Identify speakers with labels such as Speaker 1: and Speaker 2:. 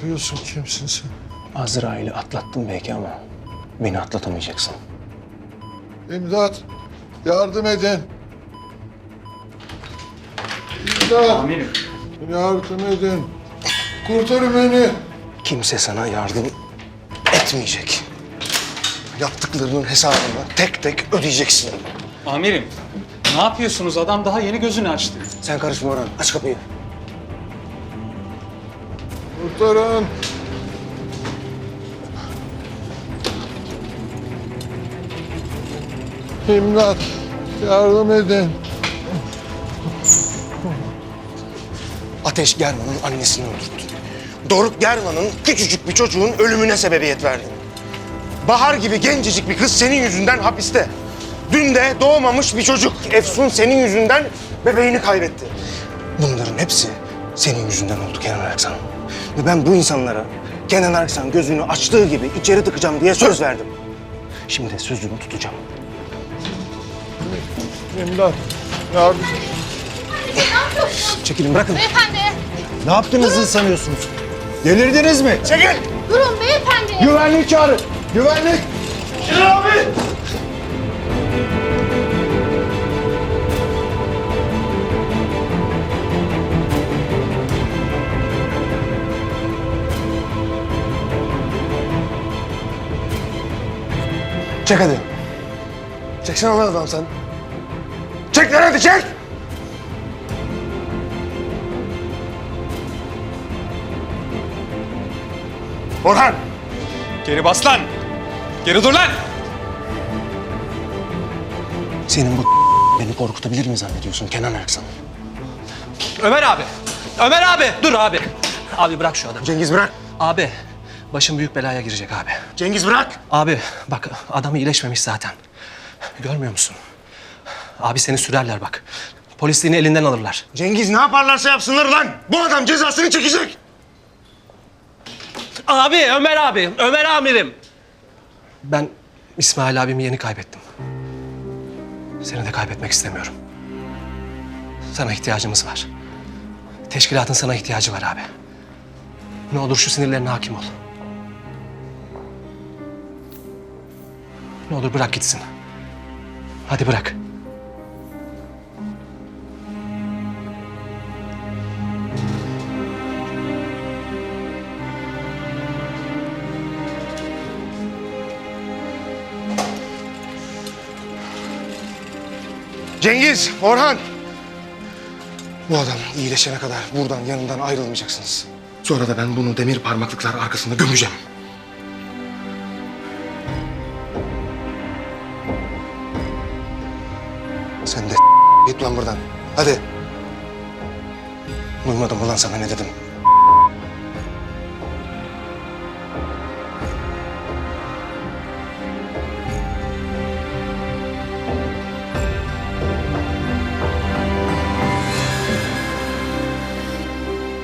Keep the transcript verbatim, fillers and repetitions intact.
Speaker 1: yapıyorsun? Kimsin sen?
Speaker 2: Azrail'i atlattın belki ama beni atlatamayacaksın.
Speaker 1: İmdat! Yardım edin! İmdat!
Speaker 3: Amirim.
Speaker 1: Yardım edin! Kurtarın beni!
Speaker 2: Kimse sana yardım etmeyecek. Yaptıklarının hesabını tek tek ödeyeceksin.
Speaker 3: Amirim, ne yapıyorsunuz? Adam daha yeni gözünü açtı.
Speaker 2: Sen karışma Orhan. Aç kapıyı.
Speaker 1: Kurtarın! İmdat! Yardım edin!
Speaker 2: Ateş German'ın annesini öldürdü. Doruk German'ın küçücük bir çocuğun ölümüne sebebiyet verdi. Bahar gibi gencecik bir kız senin yüzünden hapiste. Dün de doğmamış bir çocuk Efsun senin yüzünden bebeğini kaybetti. Bunların hepsi senin yüzünden oldu Kenan Erksan. Ve ben bu insanlara Kenan Erksan gözünü açtığı gibi içeri tıkacağım diye söz verdim. Şimdi de sözümü tutacağım.
Speaker 1: İmdat! Yardım!
Speaker 2: Çekilin bırakın.
Speaker 4: Beyefendi,
Speaker 5: Ne yaptığınızı sanıyorsunuz? Delirdiniz mi?
Speaker 2: Çekil!
Speaker 4: durun beyefendi.
Speaker 2: Güvenlik çağırın. Güvenlik! Kenan abi! Çek hadi. Çeksene lan adam sen. Çek lan hadi çek! Orhan!
Speaker 3: Geri bas lan! Geri dur lan!
Speaker 2: Senin bu beni korkutabilir mi zannediyorsun Kenan Erksan?
Speaker 6: Ömer abi! Ömer abi! Dur abi! Abi bırak şu adamı.
Speaker 2: Cengiz bırak.
Speaker 6: Abi, başım büyük belaya girecek abi.
Speaker 2: Cengiz bırak.
Speaker 6: Abi bak adam iyileşmemiş zaten. Görmüyor musun? Abi seni sürerler bak. Polisliğini elinden alırlar.
Speaker 2: Cengiz ne yaparlarsa yapsınlar lan. Bu adam cezasını çekecek.
Speaker 6: Abi, Ömer abi! Ömer amirim! Ben İsmail abimi yeni kaybettim. Seni de kaybetmek istemiyorum. Sana ihtiyacımız var. Teşkilatın sana ihtiyacı var abi. Ne olur şu sinirlerine hakim ol. Ne olur bırak gitsin. Hadi bırak.
Speaker 2: Cengiz, Orhan. Bu adam iyileşene kadar buradan yanından ayrılmayacaksınız. Sonra da ben bunu demir parmaklıklar arkasında gömeceğim. Sen de git lan buradan. Hadi. Duymadım ulan sana ne dedim.